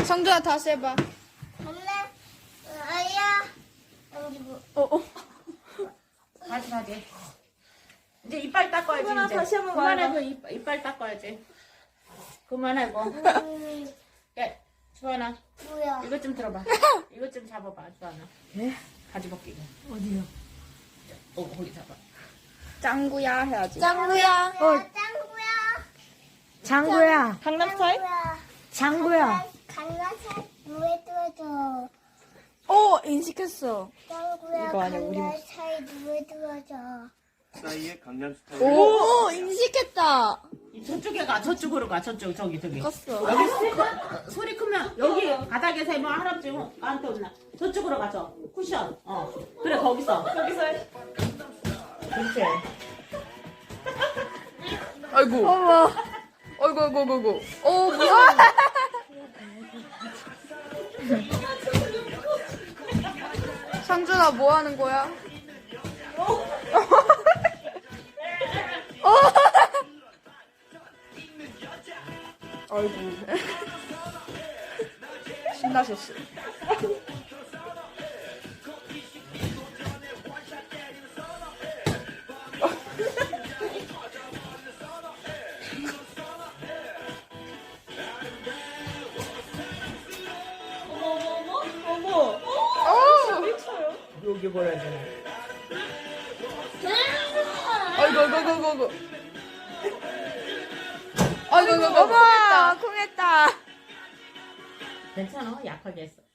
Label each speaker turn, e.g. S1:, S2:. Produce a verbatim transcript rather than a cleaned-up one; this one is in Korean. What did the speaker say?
S1: 성준아 다시 해봐.
S2: 엄마, 아야.
S1: 어, 어.
S3: 다시 다시. 이제 이빨 닦아야지.
S4: 수건아,
S3: 이제.
S4: 다시 한번
S3: 그만하고 이빨, 이빨 닦아야지. 그만하고.
S2: 음,
S3: 야, 주환아,
S2: 뭐야?
S3: 이것 좀 들어봐. 이것 좀 잡아봐, 주환아.
S4: 네?
S3: 가지 벗기고.
S4: 어디요?
S3: 어, 거기 잡아.
S1: 짱구야 해야지.
S2: 짱구야.
S4: 어.
S2: 짱구야.
S4: 장구야.
S1: 강남 스타일?
S4: 장구야.
S2: 강나사 누에 들어줘.
S1: 어, 인식했어.
S2: 짱구야.
S1: 이거 아니야, 우리
S2: 강나사에 누에 들어줘.
S5: 사이에 강남 스타일.
S1: 오, 오 인식했다.
S3: 저쪽에 가, 저쪽으로 가, 저쪽, 저기, 저기.
S1: 컸어.
S3: 여기 소, 소리 크면, 여기 바닥에서 뭐 할아버지 나한테 온나. 저쪽으로 가죠. 쿠션. 어. 그래, 거기서. 거기서 해. 그렇지.
S1: 아이고. 어머. 아이고, 아이고, 아이고, 아이고. 어, 무서워. 상준아, 뭐 하는 거야? 어. 아이고. 신나셨어.
S3: 여기 뭐라 해야 되나.
S1: 아이고, 아이고, 아이고, 아이고. 아이고, 아이고, 어머, 쿵했다.
S3: 괜찮아, 약하게 했어.